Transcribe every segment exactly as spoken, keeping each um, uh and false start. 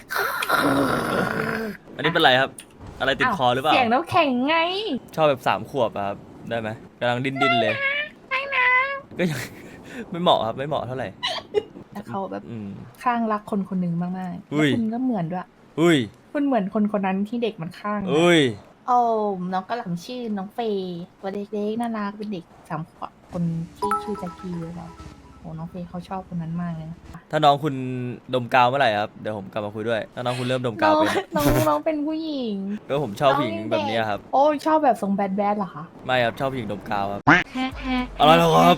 อันนี้เป็นไรครับอะไรติดคอหรือเปล่าเสียงน้ำแข็งไงชอบแบบสามขวบครับได้ไหมกำลังดิ้นดิ้นเลยไม่นะก็ยัง ไม่เหมาะครับไม่เหมาะเท่าไหร่แต่เขาแบบอืมข้างรักคนคนหนึ่งมากๆแล้วอุ้ยคุณก็เหมือนด้วยอุ้ยคุณเหมือนคนคนนั้นที่เด็กมันข้างอะอุ้ยโอ้น้องกระหล่ำชื่อน้องเฟย์ตัวเล็กๆน่ารักเป็นเด็กสามขวบคนที่ชื่อแจ็คกี้หรือเปล่าโอ้น้องเฟย์เขาชอบคนนั้นมากเลยนะถ้าน้องคุณดมกาวเมื่อไหร่ครับเดี๋ยวผมกลับมาคุยด้วยถ้าน้องคุณเริ่มดมน้องกาวเป็นน้องน้องเป็นผู้หญิงก็ผมชอบผู้หญิงน้องยังแบเด็บกนี้ครับโอ้ยชอบแบบทรงแบดแบดเหรอคะไม่ครับชอบผู้หญิงดมกาวครับอะไรหรอครับ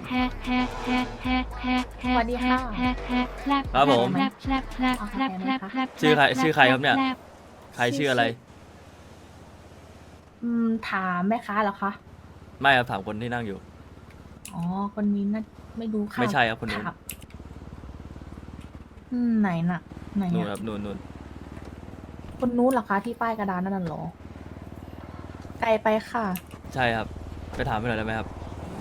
สวัสดีค่ะครับผมเอากาแฟไหมคะชื่อใครชื่อใครครับเนี่ยใครชื่ออะไรอืมถามแม่ค้าเหรอคะไม่ครับถามคนที่นั่งอยู่อ๋อ คนนี้น่าไม่รู้ค่ะไม่ใช่ครับคนนู้นถามอืมไหนน่ะ ไหนนู่นคอ่ะรับนู่นนู่นคนนู้นเหรอคะที่ป้ายกระดานนั่นน่ะเหรอ ไกลไปค่ะใช่ครับไปถามไปหน่อยได้ไหมครับ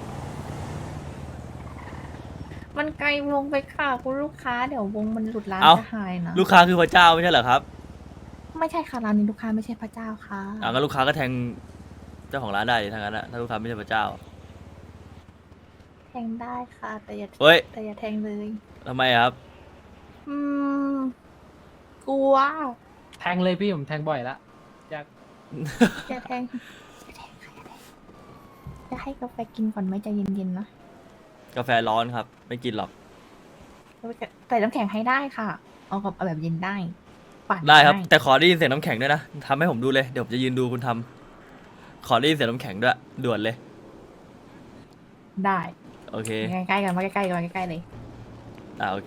มันไกลลงไปค่ะ คุณลูกค้าเดี๋ยววงมันหลุดร้านเอ้าจะหายนะลูกค้าคือพระเจ้าไม่ใช่เหรอครับไม่ใช่ค่ะร้านนี้ลูกค้าไม่ใช่พระเจ้าค่ะอ่างั้นลูกค้าก็แทงเจ้าของร้านได้ทั้งนั้นอะถ้าลูกค้าไม่ใช่พระเจ้าแทงได้ค่ะ แต่อย่าเฮ้ยแต่อย่าแทงเลยทำไมครับอืม กลัวแทงเลยพี่ผมแทงบ่อยละอยากอย่าแทงอย่าแทงค่ะอย่าแทงจะให้กาแฟกินก่อนไหมใจเย็นๆนะกาแฟร้อนครับ ไม่กินหรอกใส่น้ำแข็งให้ได้ค่ะ เอากับเอาแบบเย็นได้ปั่นได้ครับ แต่ขอได้ยินเสียงน้ำแข็งด้วยนะทำให้ผมดูเลยเดี๋ยวผมจะยืนดูคุณทำขอได้ยินเสียงน้ำแข็งด้วยด่วนเลยได้โอเคใกล้ๆกันมาใกล้ๆกันมาใกล้ๆเลยอ่าโอเค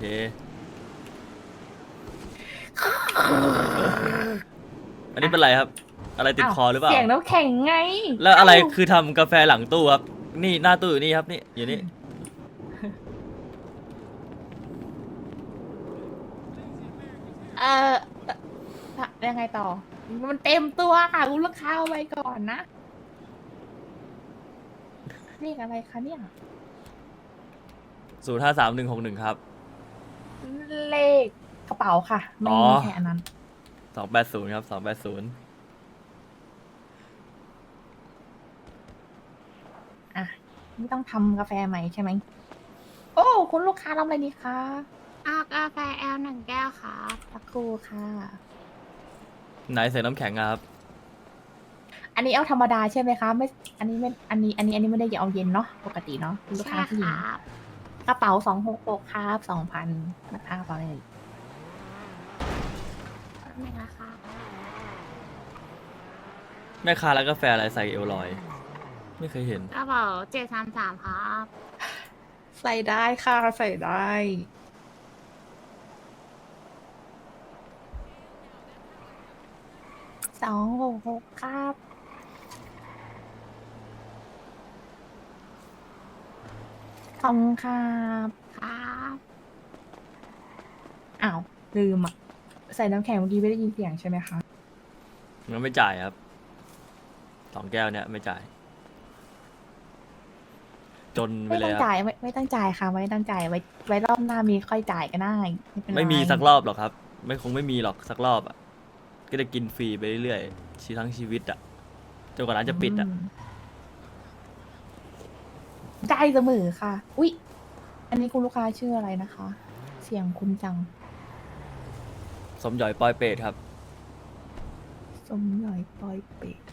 อันนี้เป็นไรครับ อะไรติดคอหรือเปล่าเสียงน้ำแข็งไงแล้วอะไรเาคือทำกาแฟหลังตู้ครับ นี่หน้าตู้อยู่นี่ครับนี่อยู่นี่เออยังไงต่อ มันเต็มตัวค่ะคุณลูกค้าเอาไว้ก่อนนะเรียกอะไรคะเนี่ยศูนย์ห้าสามหนึ่งหกหนึ่งครับเลขกระเป๋าค่ะ ไม่อ๋อมีแค่อันนั้นสองแปดศูนย์ครับสองแปดศูนย์อ่ะไม่ต้องทำกาแฟใหม่ใช่ไหม โอ้ คุณลูกค้าทำอะไรดีคะเอากาแฟแอลหนึ่งแก้วครับสักครู่ค่ะไหนใส่น้ำแข็งอะครับอันนี้เอาธรรมดาใช่ไหมคะ ไม่ อันนี้ไม่ อันนี้ อันนี้ อันนี้ไม่ได้เอาเย็นเนาะ ปกติเนาะคุณลูกใช่ค้าผู้หญิงครับกระเป๋าสองหกหกครับสองพันนะคะต่อเลยนี่นะครับแม่ค้าร้านกาแฟอะไรใส่เอลลอย ไม่เคยเห็นกระเป๋าเจ็ดสามสามครับใส่ได้ค่ะ ใส่ได้สองหกหกครับขอบคุณครับครับอ้าว ลืมอ่ะ ใส่น้ำแข็งเมื่อกี้ไม่ได้ยินเสียงใช่ไหมคะมันไม่จ่ายครับ สองแก้วเนี่ยไม่จ่าย จนไปไม่เลต้ยองครับจ่ายไม่ไม่ต้องจ่ายค่ะ ไม่ต้องจ่ายไว้ไว้รอบหน้ามีค่อยจ่ายก็ได้ไม่เป็นไรไม่มีสักรอบหรอกครับ ไม่คงไม่มีหรอกสักรอบอ่ะ ก็จะกินฟรีไปเรื่อยๆชีทั้งชีวิตอ่ะจนกว่าร้านจะปิดอ่ะมได้เสมอค่ะ อุ๊ย อันนี้คุณลูกค้าชื่ออะไรนะคะ เสียงคุณจังสมหยอยปอยเปรตครับสมหน่อยปอยเป็ด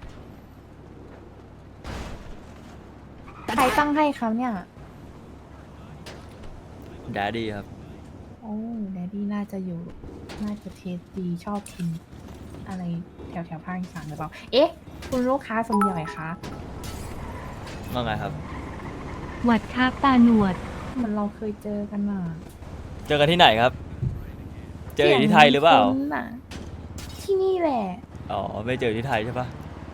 ใครตั้งให้ครับเนี่ยแดดดี้ครับโอ้แดดดี้น่าจะอยู่ น่าจะเทสดีชอบกิน อะไรแถวแถวภาคอีสานหรือเปล่า เอ๊ะ คุณลูกค้าสมหน่อยคะว่าไงครับหวัดครับตาหนวดเหมันเราเคยเจอกันน่ะเจอกันที่ไหนครับ เจออยู่ที่ไทยหรือเปล่าสียงคุ้นน่ะ ที่นี่แหละอ๋อ ไม่เจอที่ไทยใช่ปะ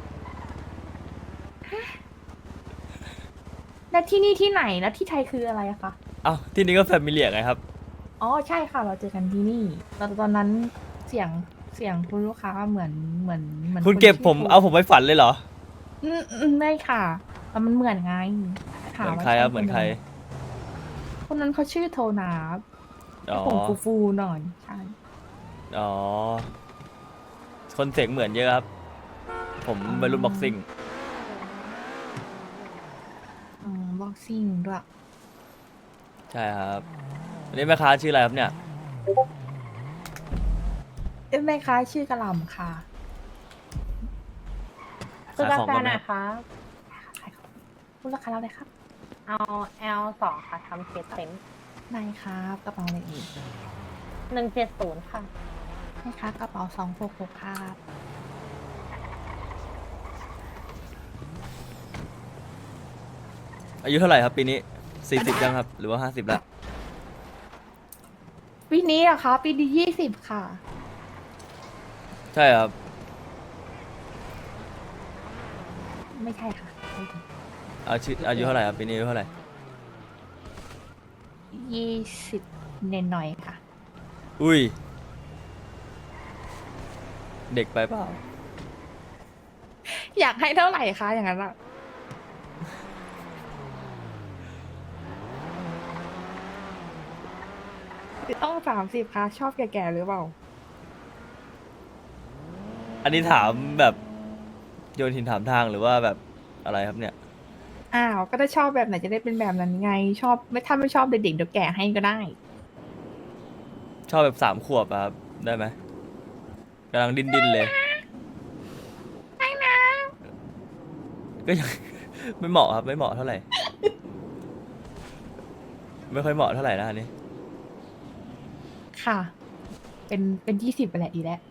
แล้วที่นี่ที่ไหนแล้วที่ไทยคืออะไรอะคะอ้าวที่นี่ก็แฟมิเลียไงครับอ๋อใช่ค่ะ เราเจอกันที่นี่ตอนตอนนั้นเสียงเสียงคุณลูกค้าเหมือนเหมือนเหมือนคุณเก็บนชื่ผมโทเอาผมไปฝันเลยเหรออืมอืมไม่ค่ะแต่มันเหมือนไงเหถามือนว่าใครครับช่เหมือนใครคนนั้นเขาชื่อโทนาอ๋อผมฟูฟูๆหน่อยใช่อ๋อ คนเสียงเหมือนเยอะครับ ผมวัยรุ่นบ็อกซิ่งอืมบ็อกซิ่งด้วยใช่ครับอันนี้แม่ค้าชื่ออะไรครับเนี่ยเอ้ยแม่ค้าชื่อกระหล่ำค่ะซื้อกาแฟขายของก่อนไหมหน่อยครับขายของคุณราคาเราเลยครับเอา แอล สองค่ะทำเคสเต็มนายครับกระเป๋าอะไรอีกหนึ่งเจ็ดศูนย์ค่ะแม่ค้ากระเป๋าสองหกหกครับอายุเท่าไหร่ครับปีนี้สี่สิบยังครับ หรือว่าห้าสิบแล้วปีนี้เหรอะคะปีนี้ยี่สิบค่ะใช่ครับไม่ใช่ค่ะไม่ถึงอายุอายุเท่าไหร่ครับปีนี้อายุเท่าไหร่ยี่สิบเนนหน่อยค่ะอุ้ย เด็กไปเปล่าอยากให้เท่าไหร่คะอย่างนั้นอะต้องสามสิบคะชอบแก่ๆหรือเปล่าอันนี้ถามแบบโยนหินถามทางหรือว่าแบบอะไรครับเนี่ยอ้าว ก็ถ้าชอบแบบไหนจะได้เป็นแบบนั้นไง ชอบไม่ถ้าไม่ชอบเด็กๆเดี๋ยวแก่ให้ก็ได้ชอบแบบสามขวบอะครับ ได้ไหมกำลังดิ้นดิ้นๆเลยไม่นะ ก็ยัง ไม่เหมาะครับ ไม่เหมาะเท่าไหร่ ไม่ค่อยเหมาะเท่าไหร่นะอันนี้ค่ะ เป็นเป็นยี่สิบไปแหละดีแล้ว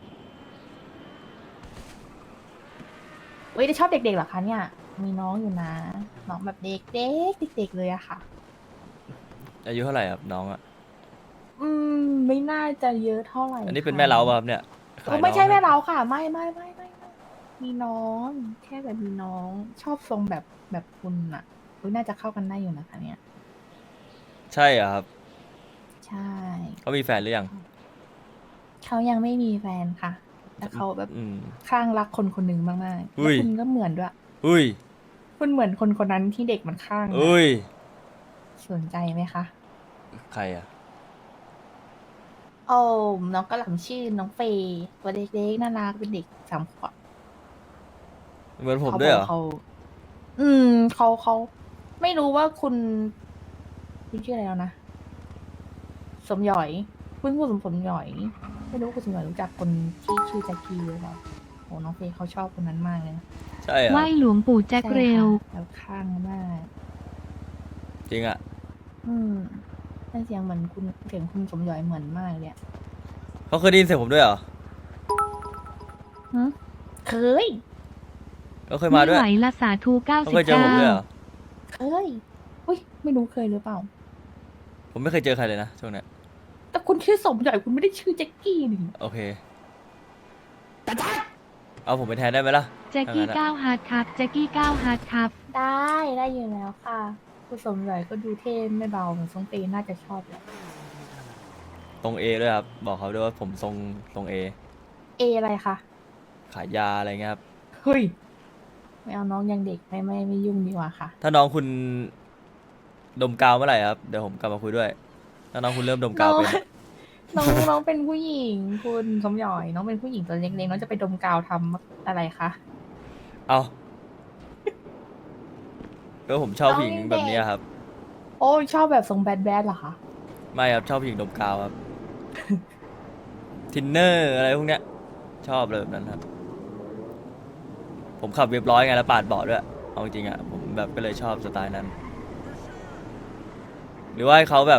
เว้ยได้ชอบเด็กๆเหรอคะเนี่ย มีน้องอยู่นะ น้องแบบเด็กเด็กเด็กๆเลยอะค่ะอายุเท่าไหร่ครับน้องอะอืม ไม่น่าจะเยอะเท่าไหร่อันนี้เป็นค่ะแม่เล้าป่ะครับเนี่ยเอขายอไม่ใช่น้องแม่เราค่ะ ไม่ไม่ไม่ไม่ไม่มีน้อง แค่แบบมีน้อง ชอบทรงแบบแบบคุณอะอุ๊ยน่าจะเข้ากันได้อยู่นะคะเนี่ยใช่เหรอครับใช่เขามีแฟนหรือยังเขายังไม่มีแฟนค่ะ แต่เขาแบบอืมคลั่งรักคนคนหนึ่งมากๆอุ้แล้วยคุณก็เหมือนด้วยอุ้ยคุณเหมือนคนคนนั้นที่เด็กมันคลั่งอะอุ้ยสนใจไหมคะใครอะโอ้น้องกระหล่ำชื่อน้องเฟย์ตัวเล็กๆน่ารักเป็นเด็กสามขวบเหมือนผมเขาด้วยเหรอบอกเขาอืมเขาเขาไม่รู้ว่าคุณคุณชื่ออะไรแล้วนะ สมหยอย คุณคุณสมสมหยอย ไม่รู้ว่าคุณสมหยอยรู้จักคนที่ชื่อแจ็คกี้หรือเปล่าโอ้น้องเฟย์เขาชอบคนนั้นมากเลยนะใช่เหรอไหว้หลวงปู่แจ็คเร็วใช่ค่ะแล้วข้างมากจริงอะอืมเป็นเสียงเหมือนคุณเสียงคุณสมหยอยเหมือนมากเลยอะเขาเคยได้ยินเสียงผมด้วยเหรอหึเคยเขาเคยมาด้วยไม่ไหวละสาธุเก้าเขาสิบเคยเจอเก้าผมด้วยเหรอเคยอุ้ยไม่รู้เคยหรือเปล่าผมไม่เคยเจอใครเลยนะช่วงเนี้ยแต่คุณชื่อสมหยอยคุณไม่ได้ชื่อแจ็คกี้นี่โอเค เอาผมไปแทนได้ไหมล่ะแจ็คกี้ถ้างั้นอะเก้าฮาร์ดครับแจ็คกี้เก้าฮาร์ดครับได้ได้อยู่แล้วค่ะ คุณสมหยอยก็ดูเท่ไม่เบาเหมือนทรงเตน่าจะชอบแหละตรงเอด้วยครับ บอกเขาด้วยว่าผมทรงตรงเอเออะไรคะขายยาอะไรเงี้ยครับเฮ้ยไม่เอาน้องยังเด็กไม่ไม่ไม่ยุ่งดีกว่าค่ะถ้าน้องคุณดมกาวเมื่อไหร่ครับ เดี๋ยวผมกลับมาคุยด้วย ถ้าน้องคุณเริ่มดมกาวเป็นน้องน้องเป็นผู้หญิง คุณสมหยอย น้องเป็นผู้หญิงตัวเล็กๆน้องจะไปดมกาวทำอะไรคะเอาก็ผมชอบผู้หญิงแบบเนี้ยครับโอ้ยชอบแบบทรงแบดแบดเหรอคะไม่ครับ ชอบผู้หญิงดมกาวครับ ทินเนอร์อะไรพวกเนี้ย ชอบเลยแบบนั้นครับ ผมขับเรียบร้อยไงแล้วปาดเบาะด้วย เอาจริงๆอ่ะ ผมแบบก็เลยชอบสไตล์นั้น หรือว่าให้เขาแบบ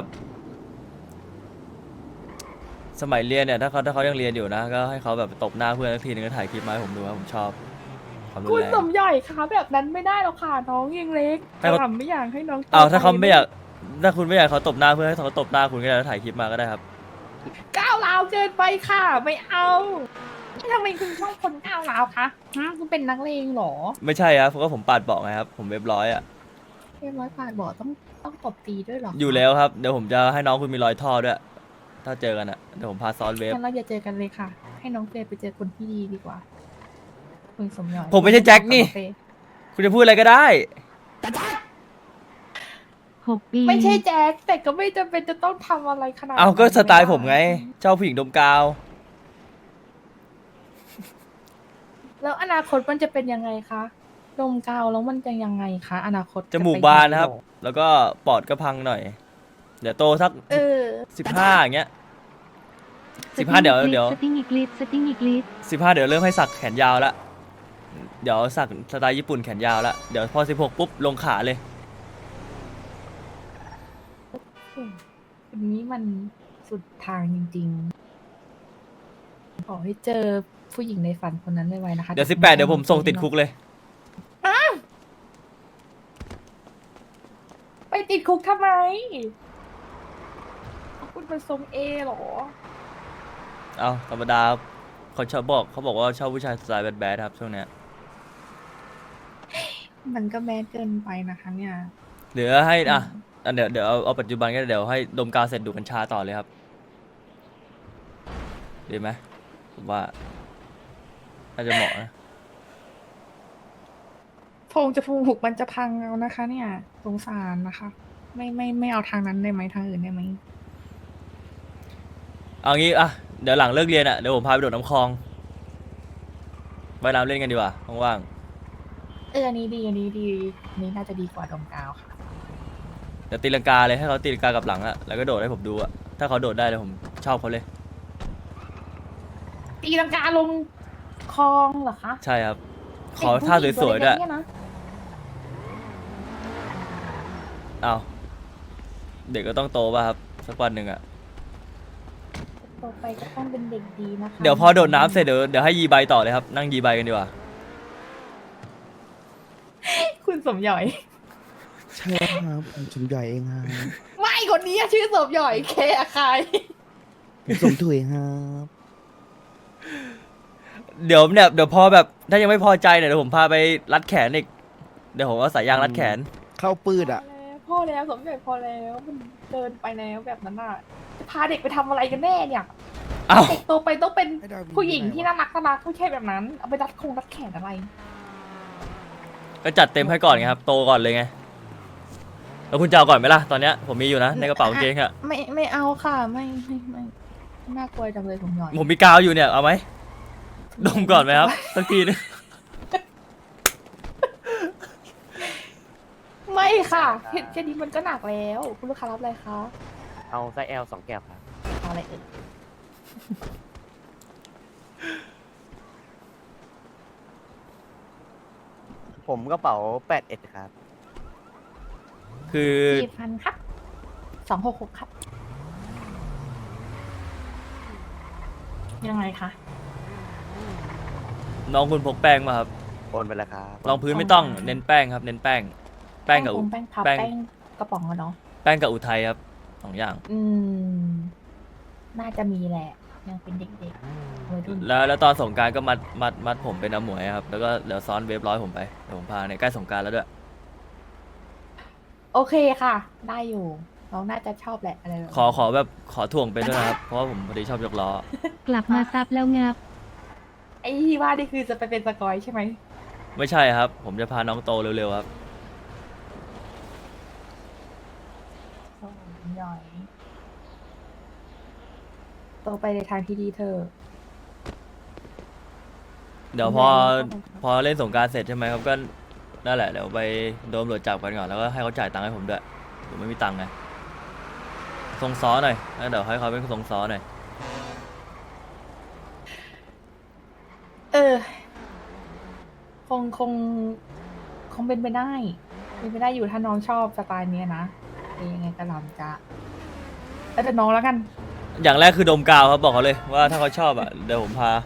สมัยเรียนเนี่ย ถ้าเขาถ้าเขายังเรียนอยู่นะ ก็ให้เขาแบบตบหน้าเพื่อนสักทีนึงก็ถ่ายคลิปมาให้ผมดูว่าผมชอบความรุคุนณแรงสมหย่อยคะแบบนั้นไม่ได้หรอกค่ะ น้องยังเล็กให้เขาทำไม่อยากให้น้องโตเอาถ้าเขาปไม่อยาก ถ้าคุณไม่อยากให้เขาตบหน้าเพื่อนให้เขาตบหน้าคุณก็ได้แล้วถ่ายคลิปมาก็ได้ครับก้าวร้าวเกินไปค่ะ ไม่เอาทำไมคุณชอบคนก้าวร้าวคะฮะคุณเป็นนักเลงเหรอไม่ใช่ครับเพราะว่าผมปาดเบาะไงครับ ผมเรียบร้อยอ่ะเรียบร้อยปาดบอกต้องต้องตบตีด้วยเหรออยู่แล้วครับ เดี๋ยวผมจะให้น้องคุณมีรอยท่อด้วย ถ้าเจอกันอ่ะ เดี๋ยวผมพาซ้อนเวฟงั้นเราอย่าเจอกันเลยค่ะ ให้น้องเฟย์ไปเจอคนที่ดีดีกว่า คุณสมหย่อยผมไม่ใช่แจ็คนี่องเฟย์คุณจะพูดอะไรก็ได้หกปีไม่ใช่แจ็คแต่ก็ไม่จำเป็นจะต้องทำอะไรขนาดเอาก็นั้นสไตล์ด้ผมไง ชอบผู้หญิงดมกาวแล้วอนาคตมันจะเป็นยังไงคะดมกาวแล้วมันจะยังไงคะ อนาคตจมูกบานนะครับ แล้วก็ปอดก็พังหน่อย เดี๋ยวโตสักเออสิบห้าอย่างเงี้ยสิบห้าเดี๋ยวเดี๋ยวสติ้งอีกลิดสติ้งอีกลิดสิบห้าเดี๋ยวเริ่มให้สักแขนยาวละเดี๋ยวสักสไตล์ญี่ปุ่นแขนยาวละเดี๋ยวพอสิบหกปุ๊บลงขาเลยคนนี้มันสุดทางจริงๆ ขอให้เจอผู้หญิงในฝันคนนั้นไวๆนะคะเดี๋ยวสิบแปดเดี๋ยวผมส่งติดคุกเลยไปติดคุกทำไมคุณเป็นทรงเอเหรอเอาธรรมดาเขาชอบบอกเขาบอกว่าชอบผู้ชายสไตล์แบดๆครับช่วงเนี้ยมันก็แมสเกินไปนะคะเนี่ยเหลือให้อ่ะอ่ะเดี๋ยวเดี๋ยวเอาเอาปัจจุบันก็เดี๋ยวให้ดมกาวเสร็จดูดกัญชาต่อเลยครับดีไหมผมว่าน่าจะเหมาะนะโพรงจะพูกมันจะพังเอานะคะ เนี่ยสงสารนะคะ ไม่ไม่ไม่เอาทางนั้นได้ไหมทางอื่นได้ไหมเอางี้อ่ะเดี๋ยวหลังเลิกเรียนอ่ะเดี๋ยวผมพาไปโดดน้ำคลองว่ายน้ำเล่นกันดีกว่าว่างเอออันนี้ดีอันนี้ดีอันนี้น่าจะดีกว่าดมกาวค่ะๆเดี๋ยวตีลังกาเลยให้เขาตีลังกากับหลังอ่ะแล้วก็โดดให้ผมดูอ่ะถ้าเขาโดดได้เลยผมชอบเขาเลยตีลังกาลงคลองเหรอคะใช่ครับขอท่าสวยๆด้วยเด็กผู้หญิงตัวเล็กๆเนี่ยนะเอาเด็กก็ต้องโตป่ะครับสักวันหนึ่งอ่ะต่อไปก็ต้องเป็นเด็กดีนะคะเดี๋ยวพอโดดน้ำเสร็จเดี๋ยวเดี๋ยวให้ยีใบต่อเลยครับนั่งยีใบกันดีกว่าคุณสมหยอยใช่ครับผมสมใหญ่เองครับไม่คนนี้อะชื่อสมหยอยเคอะใครผมสมถุยครับเดี๋ยวเนี่ยเดี๋ยวพอแบบถ้ายังไม่พอใจเนี่ยเดี๋ยวผมพาไปรัดแขนอีกเดี๋ยวผมเอาสายยางรัดแขนเข้าปืดอ่ะพอแล้วสมหยอยพอแล้วมันเกินไปแล้วแบบนั้นอ่ะจะพาเด็กไปทำอะไรกันแน่เนี่ยเอ้าเด็กโตไปต้องเป็นให้ดาวบินผู้หญิงที่ได้วะน่ารักน่ารักไม่ใช่แบบนั้น เอาไปรัดคงรัดแขนอะไรก็จัดเต็มให้ก่อนไงครับโตก่อนเลยไงแล้วคุณจะเอาก่อนไหมล่ะตอนเนี้ยผมมีอยู่นะในกระเป๋ากางเกงอะไม่ไม่เอาค่ะไม่ไม่ไม่น่ากลัวจังเลยสมหยอยผมมีกาวอยู่เนี่ยเอาไหมดมก่อนไหมครับสักทีนึงไม่ค่ะแค่แค่นี้มันก็หนักแล้ว คุณลูกค้ารับอะไรคะเอาไซส์ L สองแก้วครับเอาอะไรเอ่ยผมกระเป๋าแปดเอ็ดครับคือสี่พันครับสองหกหกครับ ยังไงคะน้องคุณพกแป้งมาครับโอนไปแล้วครับรองพื้นไม่ต้องเน้นแป้งครับ เน้นแป้ง แป้งกับอุแป้งพับแป้งแป้งกระป๋องอะเนาะแป้งกับอุทัยครับสองอย่างอืม น่าจะมีแหละ ยังเป็นเด็กๆวัยรุ่นแล้วแล้วตอนสงกรารก็มัดมัดมัดผมเป็นน้ำหมวยครับแล้วก็เดี๋ยวซ้อนเวฟร้อยผมไปเดี๋ยวผมพาเนี่ยใกล้สงกรารแล้วด้วยโอเคค่ะ ได้อยู่ น้องน่าจะชอบแหละอะไรแบบขอขอแบบขอถ่วงเป็นด้วยนะครับเพราะว่าผมพอดีชอบยกล้อกลับมาซับแล้วงับไอ้ที่ว่านี่คือจะไปเป็นสกอยใช่ไหมไม่ใช่ครับ ผมจะพาน้องโตเร็วๆครับโอ้ยหน่อยโตไปในทางที่ดีเธอะเดี๋ยวพอพอเล่นสงกรารเสร็จใช่ไหมครับก็นั่นแหละเดี๋ยวไปโดนตำรวจจับกันก่อนแล้วก็ให้เขาจ่ายตังค์ให้ผมด้วยผมไม่มีตังค์ไงทรงซ้อหน่อยแล้วเดี๋ยวให้เขาเป็นทรงซ้อหน่อยเออ คงคง คงเป็นไปได้ เป็นไปได้อยู่ถ้าน้องชอบสไตล์เนี้ยนะเองยังไงก็ลำจะแล้วแต่น้องแล้วกันอย่างแรกคือดมกาวครับบอกเขาเลยว่าถ้าเขาชอบอ่ะเดี๋ยวผมพา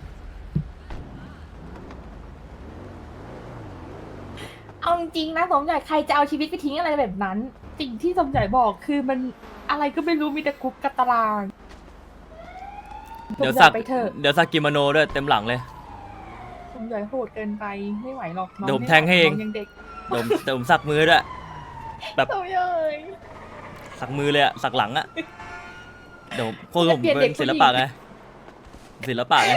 เอาจริงๆนะสมใหญ่ใครจะเอาชีวิตไปทิ้งอะไรแบบนั้น สิ่งที่สมใหญ่บอกคือมันอะไรก็ไม่รู้มีแต่คุกกับตารางเดี๋ยวสมใหสัญ่กไปเถอะเดี๋ยวสักกิโมโนด้วยเต็มหลังเลยสมใหญ่โหดเกินไปไม่ไหวหรอกน้องเดี๋ยวผมไไหแทงให้เองน้ยังเด็กเดี๋ยวผมเดี๋ยวผมสักมือด้วยแบบสมใหญ่สักมือเลยอ่ะสักหลังอ่ะเดี๋ยวพวกผมเปลี่ยนเด็เป็กนผู้ศิหญิลงปะไงศิลปะไง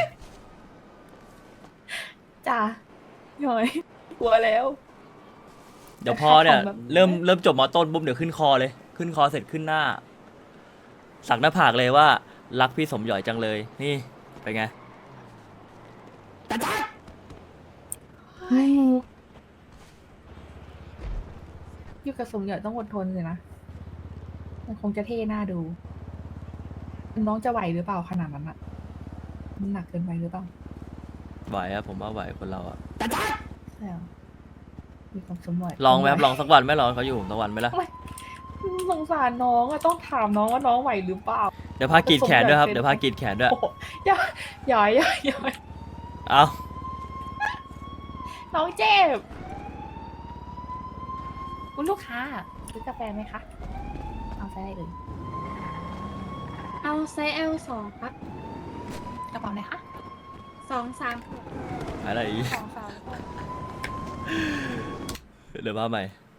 จ้าหน่อยกลัวแล้วเดี๋ยวพอเนี่ยของแบบเริ่มเริ่มจบมอต้นปุ๊บเดี๋ยวขึ้นคอเลย ขึ้นคอเสร็จขึ้นหน้า สักหน้าผากเลยว่ารักพี่สมหยอยจังเลย นี่เป็นไงอยู่กับสมหยอยต้องอดทนสินะ มันคงจะเท่หน้าดู น้องจะไหวหรือเปล่าขนาดนั้นอะมันหนักเกินไปหรือเปล่าไหวครับผมว่าไหวคนเราอะใช่เหรออยู่กับสมหยอยลองไหมครับลองสักวันไหมลองเขาอยู่ผมสักวันไหมล่ะสงสารน้องอะต้องถามน้องว่าน้องไหวหรือเปล่าเดี๋ยวพากรีดแขนด้วยครับเดี๋ยวพากรีดแขนด้วยโอ้โหอย่าอย่าอย่าอย่าเอาน้องเจ็บคุณลูกค้าซื้อกาแฟไหมคะ เอาไซส์อะไรเอ่ยเอาไซส์ แอล สองครับกระเป๋าไหนคะสองสามอะไรอีกสองสามเดี๋ยวมาใหม่